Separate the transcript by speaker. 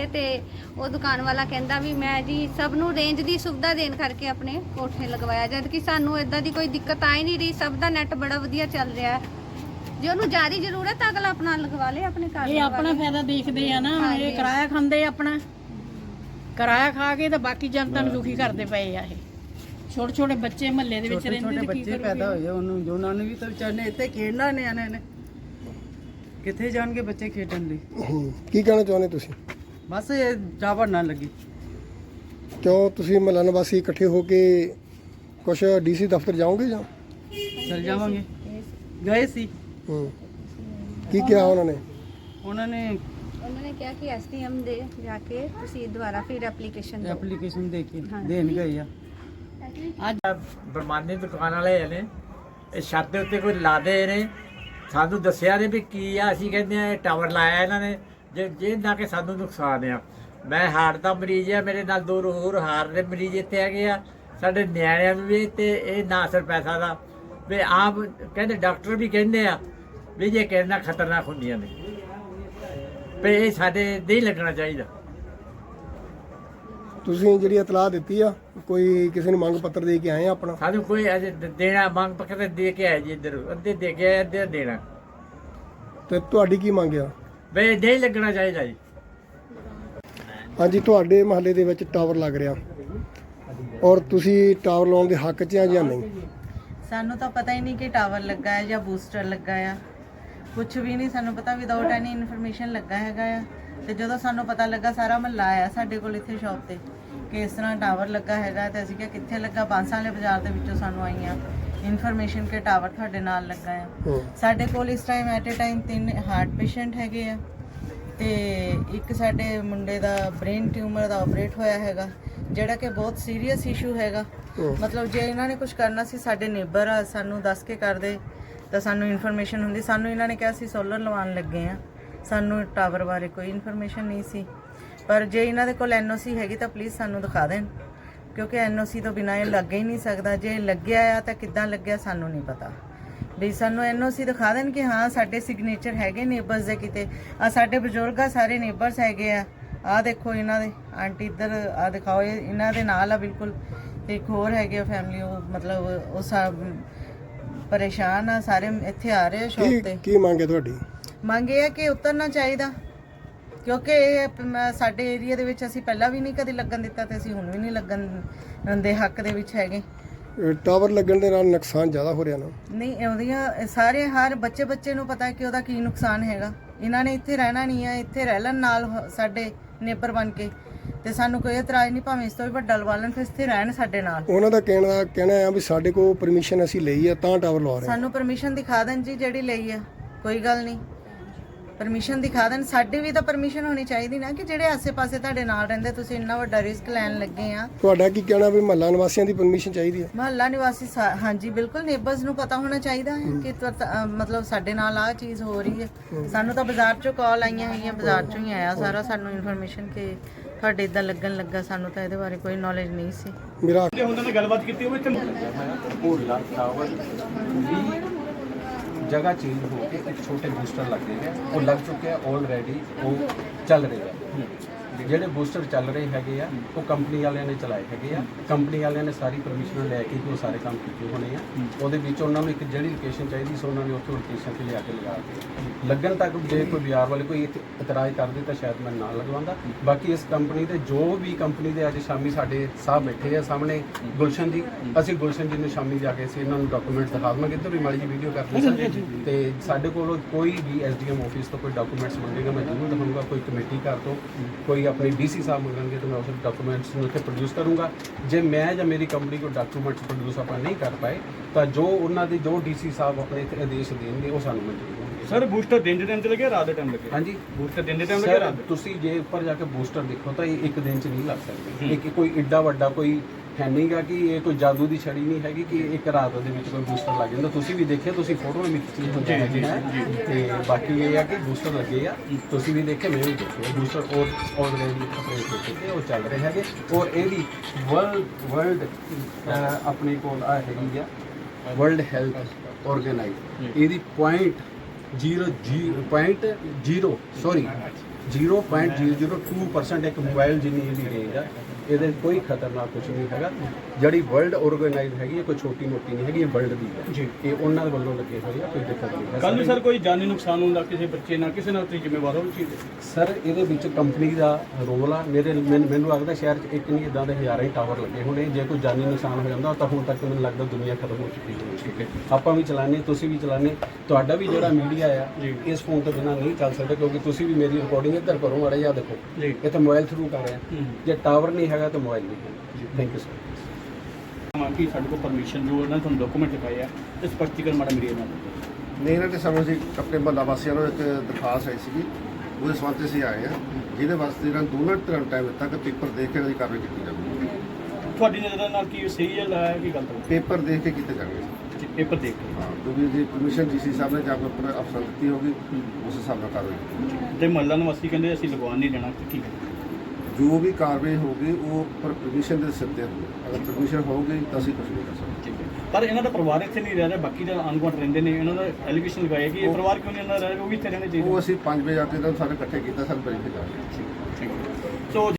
Speaker 1: ਤੇ ਉਹ ਦੁਕਾਨ ਵਾਲਾ ਕਹਿੰਦਾ ਵੀ ਮੈਂ ਜੀ ਸਭ ਨੂੰ ਰੇਂਜ ਦੀ ਸੁਵਿਧਾ ਦੇਣ ਕਰਕੇ ਆਪਣੇ ਕੋਠੇ ਲਗਵਾਇਆ, ਜਦ ਕਿ ਸਾਨੂੰ ਇਦਾਂ ਦੀ ਕੋਈ ਦਿੱਕਤ ਆ ਹੀ ਨਹੀਂ ਰਹੀ। ਸਭ ਦਾ ਨੈਟ ਬੜਾ ਵਧੀਆ ਚੱਲ ਰਿਹਾ ਹੈ। ਜੇ ਉਹਨੂੰ ਜ਼ਿਆਦਾ ਜ਼ਰੂਰਤ ਹੈ ਅਗਲਾ ਆਪਣਾ ਲਗਵਾ ਲੇ ਆਪਣੇ ਘਰ।
Speaker 2: ਇਹ ਆਪਣਾ ਫਾਇਦਾ ਦੇਖਦੇ ਆ ਨਾ, ਇਹ ਕਿਰਾਇਆ ਖਾਂਦੇ ਆਪਣਾ ਕਿਰਾਇਆ ਖਾ ਕੇ ਤੇ ਬਾਕੀ ਜਨਤਾ ਨੂੰ ਦੁਖੀ ਕਰਦੇ ਪਏ ਆ। ਇਹ ਛੋਟੇ ਛੋਟੇ ਬੱਚੇ ਮਹੱਲੇ ਦੇ ਵਿੱਚ ਰਹਿੰਦੇ ਤੇ
Speaker 3: ਬੱਚੇ ਪੈਦਾ ਹੋਏ ਉਹਨੂੰ ਜੋ ਉਹਨਾਂ ਨੂੰ ਵੀ ਤਾਂ ਵਿਚਾਰੇ ਇੱਥੇ ਖੇਡਣਾ ਨਿਆਣੇ ਨੇ, ਕਿੱਥੇ ਜਾਣਗੇ ਬੱਚੇ ਖੇਡਣ ਲਈ।
Speaker 4: ਕੀ ਕਹਿਣਾ ਚਾਹੁੰਦੇ ਤੁਸੀਂ?
Speaker 3: ਬਸ ਇਹ ਜਾਵੜ ਨਾ ਲੱਗੀ।
Speaker 4: ਕਿਉਂ ਤੁਸੀਂ ਮਹੱਲਾ ਨਿਵਾਸੀ ਇਕੱਠੇ ਹੋ ਕੇ ਕੁਛ ਡੀਸੀ ਦਫ਼ਤਰ ਜਾਓਗੇ ਜਾਂ?
Speaker 3: ਚਲ ਜਾਵਾਂਗੇ, ਗਏ ਸੀ।
Speaker 4: ਕੀ ਕਿਹਾ ਉਹਨਾਂ ਨੇ?
Speaker 3: ਉਹਨਾਂ ਨੇ
Speaker 1: ਕਿਹਾ ਕਿ ਐਸਡੀਐਮ ਦੇ ਜਾ ਕੇ ਤੁਸੀਂ ਦੁਬਾਰਾ ਫਿਰ
Speaker 3: ਐਪਲੀਕੇਸ਼ਨ ਦੇ ਕੇ ਦੇਣ ਗਏ ਆ।
Speaker 5: ਅੱਜ ਬਰਮਾਨੀ ਦੁਕਾਨ ਵਾਲੇ ਨੇ ਇਹ ਛੱਤ ਦੇ ਉੱਤੇ ਕੋਈ ਲਾ ਦੇ ਨੇ, ਸਾਨੂੰ ਦੱਸਿਆ ਨੇ ਵੀ ਕੀ ਆ। ਅਸੀਂ ਕਹਿੰਦੇ ਆ ਇਹ ਟਾਵਰ ਲਾਇਆ ਇਹਨਾਂ ਨੇ, ਜੇ ਨਾ ਕਿ ਸਾਨੂੰ ਨੁਕਸਾਨ ਆ। ਮੈਂ ਹਾਰਟ ਦਾ ਮਰੀਜ਼ ਆ, ਮੇਰੇ ਨਾਲ 2 ਹੋਰ ਹਾਰਟ ਦੇ ਮਰੀਜ਼ ਇੱਥੇ ਹੈਗੇ ਆ, ਸਾਡੇ ਨਿਆਣਿਆਂ ਨੂੰ ਵੀ। ਤੇ ਇਹ ਨਾ ਅਸਰ ਪੈਸਾ ਦਾ ਵੀ ਆਪ ਕਹਿੰਦੇ, ਡਾਕਟਰ ਵੀ ਕਹਿੰਦੇ ਆ ਵੀ ਜੇ ਕਹਿੰਦਾ ਖਤਰਨਾਕ ਹੁੰਦੀਆਂ ਨੇ, ਵੀ ਇਹ ਸਾਡੇ ਨਹੀਂ ਲੱਗਣਾ ਚਾਹੀਦਾ।
Speaker 4: ਤੁਸੀਂ ਜਿਹੜੀ ਇਤਲਾਹ ਦਿੱਤੀ ਆ, ਕੋਈ ਕਿਸੇ ਨੂੰ ਮੰਗ ਪੱਤਰ ਦੇ ਕੇ ਆਏ ਆ ਆਪਣਾ?
Speaker 5: ਸਾਨੂੰ ਕੋਈ ਅਜੇ ਦੇਣਾ ਮੰਗ ਪੱਤਰ ਦੇ ਕੇ ਆਏ ਜੀ, ਇੱਧਰ ਅੱਧੇ ਦੇ ਕੇ ਆਏ, ਅੱਧੇ ਦੇਣਾ।
Speaker 4: ਤੇ ਤੁਹਾਡੀ ਕੀ ਮੰਗ ਆ?
Speaker 5: ਵੀ ਨਹੀਂ ਲੱਗਣਾ ਚਾਹੀਦਾ ਜੀ।
Speaker 4: ਹਾਂਜੀ, ਤੁਹਾਡੇ ਮਹੱਲੇ ਦੇ ਵਿੱਚ ਟਾਵਰ ਲੱਗ ਰਿਹਾ ਔਰ ਤੁਸੀਂ ਟਾਵਰ ਲਾਉਣ ਦੇ ਹੱਕ 'ਚ ਆ ਜਾਂ ਨਹੀਂ?
Speaker 6: ਸਾਨੂੰ ਤਾਂ ਪਤਾ ਹੀ ਨਹੀਂ ਕਿ ਟਾਵਰ ਲੱਗਾ ਹੈ ਜਾਂ ਬੂਸਟਰ ਲੱਗਾ ਆ, ਕੁਝ ਵੀ ਨਹੀਂ ਸਾਨੂੰ ਪਤਾ। ਵਿਦਆਊਟ ਐਨੀ ਇਨਫੋਰਮੇਸ਼ਨ ਲੱਗਾ ਹੈਗਾ ਆ। ਤੇ ਜਦੋਂ ਸਾਨੂੰ ਪਤਾ ਲੱਗਾ, ਸਾਰਾ ਮਹੱਲਾ ਆਇਆ ਸਾਡੇ ਕੋਲ ਇੱਥੇ ਸ਼ਾਪ ਤੇ ਕਿ ਇਸ ਤਰ੍ਹਾਂ ਟਾਵਰ ਲੱਗਾ ਹੈਗਾ। ਤੇ ਅਸੀਂ ਕਿਹਾ ਕਿੱਥੇ ਲੱਗਾ? ਬਾਂਸਾਂ ਵਾਲੇ ਬਾਜ਼ਾਰ ਦੇ ਵਿੱਚੋਂ ਸਾਨੂੰ ਆਈਆਂ ਇਨਫੋਰਮੇਸ਼ਨ ਕਿ ਟਾਵਰ ਤੁਹਾਡੇ ਨਾਲ ਲੱਗਾ ਆ। ਸਾਡੇ ਕੋਲ ਇਸ time at a time 3 heart patient ਹੈਗੇ ਆ ਤੇ ਇੱਕ ਸਾਡੇ ਮੁੰਡੇ ਦਾ ਬ੍ਰੇਨ ਟਿਊਮਰ ਦਾ ਆਪਰੇਟ ਹੋਇਆ ਹੈਗਾ, ਜਿਹੜਾ ਕਿ ਬਹੁਤ ਸੀਰੀਅਸ ਇਸ਼ੂ ਹੈਗਾ। ਮਤਲਬ ਜੇ ਇਹਨਾਂ ਨੇ ਕੁਝ ਕਰਨਾ ਸੀ, ਸਾਡੇ ਨੇਬਰ ਆ, ਸਾਨੂੰ ਦੱਸ ਕੇ ਕਰਦੇ ਤਾਂ ਸਾਨੂੰ ਇਨਫੋਰਮੇਸ਼ਨ ਹੁੰਦੀ। ਸਾਨੂੰ ਇਹਨਾਂ ਨੇ ਕਿਹਾ ਸੀ ਸੋਲਰ ਲਵਾਉਣ ਲੱਗੇ ਆ, ਸਾਨੂੰ ਟਾਵਰ ਬਾਰੇ ਕੋਈ ਇਨਫੋਰਮੇਸ਼ਨ ਨਹੀਂ ਸੀ। ਪਰ ਜੇ ਇਹਨਾਂ ਦੇ ਕੋਲ ਐਨਓਸੀ ਹੈਗੀ ਤਾਂ ਪਲੀਜ਼ ਸਾਨੂੰ ਦਿਖਾ ਦੇਣ, ਕਿਉਂਕਿ ਐਨਓਸੀ ਤੋਂ ਬਿਨਾਂ ਇਹ ਲੱਗ ਹੀ ਨਹੀਂ ਸਕਦਾ। ਜੇ ਲੱਗਿਆ ਆ ਤਾਂ ਕਿੱਦਾਂ ਲੱਗਿਆ ਸਾਨੂੰ ਨਹੀਂ ਪਤਾ। ਵੀ ਸਾਨੂੰ ਐਨਓਸੀ ਦਿਖਾ ਦੇਣ ਕਿ ਹਾਂ ਸਾਡੇ ਸਿਗਨੇਚਰ ਹੈਗੇ ਨੇਬਰਸ ਦੇ। ਕਿਤੇ ਆ ਸਾਡੇ ਬਜ਼ੁਰਗ ਆ, ਸਾਰੇ ਨੇਬਰਸ ਹੈਗੇ ਆ। ਆਹ ਦੇਖੋ ਇਹਨਾਂ ਦੇ ਆਂਟੀ ਇੱਧਰ ਆ ਦਿਖਾਓ, ਇਹਨਾਂ ਦੇ ਨਾਲ ਆ ਬਿਲਕੁਲ। ਤੇ ਇੱਕ ਹੋਰ ਹੈਗੇ ਫੈਮਿਲੀ, ਉਹ ਮਤਲਬ ਉਹ ਸਭ ਪਰੇਸ਼ਾਨ ਆ, ਸਾਰੇ ਇੱਥੇ ਆ ਰਹੇ ਆ ਸ਼ੌਪ ਤੇ।
Speaker 4: ਕੀ ਮੰਗ ਹੈ ਤੁਹਾਡੀ?
Speaker 6: ਮੰਗ ਇਹ ਹੈ ਕਿ ਉਤਰਨਾ ਚਾਹੀਦਾ, ਕਿਉਂਕਿ ਇਹ ਸਾਡੇ ਏਰੀਆ ਦੇ ਵਿੱਚ ਅਸੀਂ ਪਹਿਲਾਂ ਵੀ ਨਹੀਂ ਕਦੇ ਲੱਗਣ ਦਿੱਤਾ ਤੇ ਅਸੀਂ ਹੁਣ ਵੀ ਨਹੀਂ ਲੱਗਣ ਦੇ ਹੱਕ ਦੇ ਵਿੱਚ ਹੈਗੇ।
Speaker 4: ਟਾਵਰ ਲੱਗਣ ਦੇ ਨਾਲ ਨੁਕਸਾਨ ਜ਼ਿਆਦਾ ਹੋ ਰਿਹਾ ਨਾ?
Speaker 6: ਨਹੀਂ, ਉਹਦੀਆਂ ਸਾਰੇ ਹਰ ਬੱਚੇ ਨੂੰ ਪਤਾ ਕਿ ਉਹਦਾ ਕੀ ਨੁਕਸਾਨ ਹੈਗਾ। ਇਹਨਾਂ ਨੇ ਇੱਥੇ ਰਹਿਣਾ ਨਹੀਂ ਆ, ਇੱਥੇ ਰਹਿ ਲੈਣ ਨਾਲ ਸਾਡੇ ਨੇਬਰ ਬਣ ਕੇ, ਤੇ ਸਾਨੂੰ ਕੋਈ ਇਤਰਾਜ਼ ਨਹੀਂ। ਭਾਵੇਂ ਇਸ ਤੋਂ ਵੀ ਵੱਡਾ ਲਵਾ ਲੈਣ, ਫਿਰ ਇੱਥੇ ਰਹਿਣ ਸਾਡੇ ਨਾਲ।
Speaker 4: ਉਹਨਾਂ ਦਾ ਕਹਿਣਾ ਆ ਵੀ ਸਾਡੇ ਕੋਲ ਪਰਮਿਸ਼ਨ ਅਸੀਂ ਲਈ ਆ ਤਾਂ ਟਾਵਰ ਲਵਾ ਰਹੇ।
Speaker 6: ਸਾਨੂੰ ਪਰਮਿਸ਼ਨ ਦਿਖਾ ਦੇਣ ਜੀ, ਜਿਹੜੀ ਲਈ ਆ ਕੋਈ ਗੱਲ ਨਹੀਂ, ਪਰਮਿਸ਼ਨ ਦਿਖਾ ਦੇਣ। ਸਾਡੀ ਵੀ ਤਾਂ ਪਰਮਿਸ਼ਨ ਹੋਣੀ ਚਾਹੀਦੀ ਨਾ, ਕਿ ਜਿਹੜੇ ਆਸੇ-ਪਾਸੇ ਤੁਹਾਡੇ ਨਾਲ ਰਹਿੰਦੇ, ਤੁਸੀਂ ਇੰਨਾ ਵੱਡਾ ਰਿਸਕ ਲੈਣ ਲੱਗੇ ਆ।
Speaker 4: ਤੁਹਾਡਾ ਕੀ ਕਹਿਣਾ ਵੀ ਮਹੱਲਾ ਨਿਵਾਸੀਆਂ ਦੀ ਪਰਮਿਸ਼ਨ ਚਾਹੀਦੀ ਹੈ?
Speaker 6: ਮਹੱਲਾ ਨਿਵਾਸੀ ਹਾਂਜੀ ਬਿਲਕੁਲ, ਨੇਬਰਸ ਨੂੰ ਪਤਾ ਹੋਣਾ ਚਾਹੀਦਾ ਹੈ ਕਿ ਮਤਲਬ ਸਾਡੇ ਨਾਲ ਆਹ ਚੀਜ਼ ਹੋ ਰਹੀ ਹੈ। ਸਾਨੂੰ ਤਾਂ ਬਾਜ਼ਾਰ ਚੋਂ ਕਾਲ ਆਈਆਂ ਹੈਗੀਆਂ, ਬਾਜ਼ਾਰ ਚੋਂ ਹੀ ਆਇਆ ਸਾਰਾ ਸਾਨੂੰ ਇਨਫੋਰਮੇਸ਼ਨ ਕਿ ਤੁਹਾਡੇ ਇਦਾਂ ਲੱਗਣ ਲੱਗਾ। ਸਾਨੂੰ ਤਾਂ ਇਹਦੇ ਬਾਰੇ ਕੋਈ ਨੌਲੇਜ ਨਹੀਂ ਸੀ।
Speaker 4: ਮੇਰਾ
Speaker 7: ਉਹਨਾਂ ਨੇ ਗੱਲਬਾਤ ਕੀਤੀ ਹੋਵੇ ਤੇ
Speaker 8: ਭੋਲਾ ਟਾਵਰ ਵੀ ਜਗ੍ਹਾ ਚੇਂਜ ਹੋ ਕੇ ਇੱਕ ਛੋਟੇ ਬੂਸਟਰ ਲੱਗ ਗਏ ਹੈ, ਉਹ ਲੱਗ ਚੁੱਕੇ ਆ ਆਲਰੇਡੀ, ਉਹ ਚੱਲ ਰਹੇ ਆ। ਜਿਹੜੇ ਬੂਸਟਰ ਚੱਲ ਰਹੇ ਹੈਗੇ ਆ ਉਹ ਕੰਪਨੀ ਵਾਲਿਆਂ ਨੇ ਚਲਾਏ ਹੈਗੇ ਆ। ਕੰਪਨੀ ਵਾਲਿਆਂ ਨੇ ਸਾਰੀ ਪਰਮਿਸ਼ਨ ਲੈ ਕੇ ਉਹ ਸਾਰੇ ਕੰਮ ਕੀਤੇ ਹੋਣੇ ਆ। ਉਹਦੇ ਵਿੱਚ ਉਹਨਾਂ ਨੂੰ ਇੱਕ ਜਿਹੜੀ ਲੋਕੇਸ਼ਨ ਚਾਹੀਦੀ ਸੀ, ਉਹਨਾਂ ਨੇ ਉੱਥੇ ਲੋਕੇਸ਼ਨ 'ਤੇ ਲਿਆ ਕੇ ਲਗਾ ਦਿੱਤੀ। ਲੱਗਣ ਤੱਕ ਜੇ ਕੋਈ ਬਾਜ਼ਾਰ ਵਾਲੇ ਕੋਈ ਇਤਰਾਜ਼ ਕਰਦੇ ਤਾਂ ਸ਼ਾਇਦ ਮੈਂ ਨਾ ਲਗਵਾਉਂਦਾ। ਬਾਕੀ ਇਸ ਕੰਪਨੀ ਦੇ ਜੋ ਵੀ ਕੰਪਨੀ ਦੇ ਅੱਜ ਸ਼ਾਮੀ ਸਾਡੇ ਸਾਹਿਬ ਬੈਠੇ ਆ ਸਾਹਮਣੇ, ਗੁਲਸ਼ਨ ਜੀ, ਅਸੀਂ ਗੁਲਸ਼ਨ ਜੀ ਨੂੰ ਸ਼ਾਮੀ ਜਾ ਕੇ ਅਸੀਂ ਇਹਨਾਂ ਨੂੰ ਡਾਕੂਮੈਂਟਸ ਦਿਖਾ ਦਵਾਂਗੇ। ਇੱਧਰ ਵੀ ਮਾੜੀ ਜਿਹੀ ਵੀਡੀਓ ਕਰਦੇ ਸਰ। ਤੇ ਸਾਡੇ ਕੋਲ ਕੋਈ ਵੀ ਐਸਡੀਐਮ ਆਫਿਸ ਤੋਂ ਕੋਈ ਡਾਕੂਮੈਂਟਸ ਮੰਗੇਗਾ ਮੈਂ ਜ਼ਰੂਰ ਦਿਖਾਊਂਗਾ। ਕੋਈ ਕਮੇਟੀ ਘਰ ਤੋਂ ਕੋਈ अपने डीसी साहब मंगेंगे तो मैं उस डॉक्यूमेंट्स उत्थे प्रोड्यूस करूँगा। जे मैं या मेरी कंपनी को डॉक्यूमेंट्स प्रोड्यूस अपना नहीं कर पाए तो जो उन्होंने जो डीसी साहब अपने आदेश देंगे वो सानू मंजूर होंगे।
Speaker 7: सर बूस्टर दिन के टाइम से लगे, रात के टाइम लगे?
Speaker 8: हाँ जी,
Speaker 7: बूस्टर दिन के टाइम लगे, रात?
Speaker 8: तुसी जे ऊपर जाके बूस्टर देखो तो एक दिन च नहीं लग सकते। एक कोई एड्डा वड्डा कोई है नहीं गा कि ये कोई जादू की छड़ी नहीं हैगी कि एक रात दे विच कोई बूस्टर लग जाता। तुसी भी देखिए, तुसी फोटो भी खिच्ची होंदी है ते बाकी ये है कि बूस्टर लगे आ, तुसी भी देखे, मैं भी देखे बूस्टर और ऑलरेडी अपने देखे वो चल रहे हैं। और यही वर्ल्ड अपने कोल आ हैगी आ वर्ल्ड हेल्थ ऑर्गेनाइज, यदी .0 सॉरी 0.002% ਇੱਕ ਮੋਬਾਈਲ ਜਿੰਨੀ ਇਹਦੀ ਰੇਂਜ ਆ। ਇਹਦੇ ਕੋਈ ਖਤਰਨਾਕ ਕੁਝ ਨਹੀਂ ਹੈਗਾ। ਜਿਹੜੀ ਵਰਲਡ ਆਰਗੇਨਾਈਜ਼ ਹੈਗੀ ਹੈ, ਕੋਈ ਛੋਟੀ ਮੋਟੀ ਨਹੀਂ ਹੈਗੀ, ਇਹ ਵਰਲਡ ਦੀ ਹੈ ਜੀ। ਇਹ ਉਹਨਾਂ ਦੇ ਵੱਲੋਂ ਲੱਗੇ ਹੋਏ ਆ, ਕੋਈ ਦਿੱਕਤ ਨਹੀਂ ਹੈ।
Speaker 7: ਕੱਲ ਨੂੰ ਸਰ ਕੋਈ ਜਾਨੀ ਨੁਕਸਾਨ ਹੁੰਦਾ ਕਿਸੇ ਬੱਚੇ ਨਾਲ, ਕਿਸੇ ਨਾਲ ਤੁਸੀਂ ਜ਼ਿੰਮੇਵਾਰ ਹੋ ਚੀਜ਼ ਦੇ?
Speaker 8: ਸਰ ਇਹਦੇ ਵਿੱਚ ਕੰਪਨੀ ਦਾ ਰੋਲ ਆ। ਮੈਨੂੰ ਲੱਗਦਾ ਸ਼ਹਿਰ 'ਚ ਇੱਕ ਨਹੀਂ ਇਦਾਂ ਦੇ ਹਜ਼ਾਰਾਂ ਹੀ ਟਾਵਰ ਲੱਗੇ ਹੋਣੇ। ਜੇ ਕੋਈ ਜਾਨੀ ਨੁਕਸਾਨ ਹੋ ਜਾਂਦਾ ਤਾਂ ਹੁਣ ਤੱਕ ਮੈਨੂੰ ਲੱਗਦਾ ਦੁਨੀਆ ਖਤਮ ਹੋ ਚੁੱਕੀ ਹੈ। ਠੀਕ ਹੈ, ਆਪਾਂ ਵੀ ਚਲਾਉਂਦੇ, ਤੁਸੀਂ ਵੀ ਚਲਾਉਂਦੇ, ਤੁਹਾਡਾ ਵੀ ਜਿਹੜਾ ਮੀਡੀਆ ਆ ਇਸ ਫੋਨ ਤੋਂ ਬਿਨਾਂ ਨਹੀਂ ਚੱਲ ਸਕਦਾ, ਕਿਉਂਕਿ ਤੁਸੀਂ ਵੀ ਮੇਰੀ ਰਿਕਾਰਡਿੰਗ ਇੱਧਰ ਕਰੋ ਮਾੜਾ ਜਿਹਾ ਦੇਖੋ। ਇਹ ਤਾਂ ਮੋਬਾਈਲ ਥਰੂ ਕਰ ਰਿਹਾ। ਜੇ ਟਾਵਰ ਨਹੀਂ ਹੈਗਾ ਤਾਂ ਮੋਬਾਈਲ ਨਹੀਂ ਹੈ। Thank you sir.
Speaker 7: ਕਿ ਸਾਡੇ ਕੋਲ ਪਰਮਿਸ਼ਨ ਜੋ ਇਹਨਾਂ ਤੁਹਾਨੂੰ ਡਾਕੂਮੈਂਟ ਦਿਖਾਏ ਆ, ਤੇ ਸਪਸ਼ਟੀਕਰਨ ਮਾੜਾ ਮੀਡੀਆ ਨਾਲ
Speaker 9: ਨਹੀਂ, ਇਹਨਾਂ ਨੇ ਸਾਨੂੰ ਅਸੀਂ ਆਪਣੇ ਮਹੱਲਾ ਵਾਸੀਆਂ ਨੂੰ ਇੱਕ ਦਰਖਾਸਤ ਆਈ ਸੀਗੀ, ਉਹਦੇ ਸੰਬੰਧ 'ਚ ਅਸੀਂ ਆਏ ਹਾਂ, ਜਿਹਦੇ ਵਾਸਤੇ ਇਹਨਾਂ ਨੂੰ ਦੋਨਾਂ ਧਿਰਾਂ ਨੂੰ ਟਾਈਮ ਦਿੱਤਾ ਕਿ ਪੇਪਰ ਦੇਖ ਕੇ ਇਹਨਾਂ ਦੀ ਕਾਰਵਾਈ ਕੀਤੀ ਜਾਵੇ।
Speaker 7: ਤੁਹਾਡੀ ਨਜ਼ਰ ਨਾਲ ਕੀ ਸਹੀ ਹੈ ਲਾਇਆ ਕੀ ਗਲਤ ਹੈ?
Speaker 9: ਪੇਪਰ ਦੇਖ ਕੇ ਕੀਤੇ ਜਾਣਗੇ।
Speaker 7: ਪੇਪਰ ਦੇਖ ਕੇ
Speaker 9: ਹਾਂ, ਕਿਉਂਕਿ ਜੇ ਪਰਮਿਸ਼ਨ ਡੀਸੀ ਸਾਹਿਬ ਨੇ ਜਾਂ ਕੋਈ ਅਫਸਰ ਦਿੱਤੀ ਹੋਗੀ, ਉਸ ਹਿਸਾਬ ਨਾਲ ਕਾਰਵਾਈ ਕੀਤੀ ਜਾਊਗੀ।
Speaker 7: ਤੇ ਮਹੱਲਾ ਨਿਵਾਸੀ ਕਹਿੰਦੇ ਅਸੀਂ ਲਗਵਾਉਣ ਨਹੀਂ ਦੇਣਾ, ਕੀ ਹੈ?
Speaker 9: ਜੋ ਵੀ ਕਾਰਵਾਈ ਹੋਗੀ ਉਹ ਪਰ ਪਰਮਿਸ਼ਨ ਦੇ ਸਿਰ ਤੇ ਹੋਊਗੀ। ਅਗਰ ਪਰਮਿਸ਼ਨ ਹੋਊਗੀ ਤਾਂ ਅਸੀਂ ਕੁਝ ਨਹੀਂ ਕਰ ਸਕਦੇ।
Speaker 7: ਠੀਕ ਹੈ, ਪਰ ਇਹਨਾਂ ਦਾ ਪਰਿਵਾਰ ਇੱਥੇ ਨਹੀਂ ਰਹਿ ਰਿਹਾ, ਬਾਕੀ ਦਾ ਅਨੁਗੁਣ ਰਹਿੰਦੇ ਨੇ। ਇਹਨਾਂ ਦਾ ਐਲੀਗੇਸ਼ਨ ਲਗਾਇਆ ਕਿ ਇਹ ਪਰਿਵਾਰ ਕਿਉਂ ਨਹੀਂ ਇਹਨਾਂ ਦਾ ਰਹਿ ਰਿਹਾ, ਉਹ ਵੀ ਇੱਥੇ ਰਹਿਣੇ ਚਾਹੀਦੇ।
Speaker 9: ਉਹ ਅਸੀਂ 5 ਵਜੇ ਆ ਕੇ ਇਹਨਾਂ ਨੂੰ ਸਾਰੇ ਇਕੱਠੇ ਕੀਤਾ, ਸਾਨੂੰ ਵੈਰੀਫਾਈ ਕਰਾਂਗੇ।
Speaker 7: ਠੀਕ ਹੈ, ਸੋ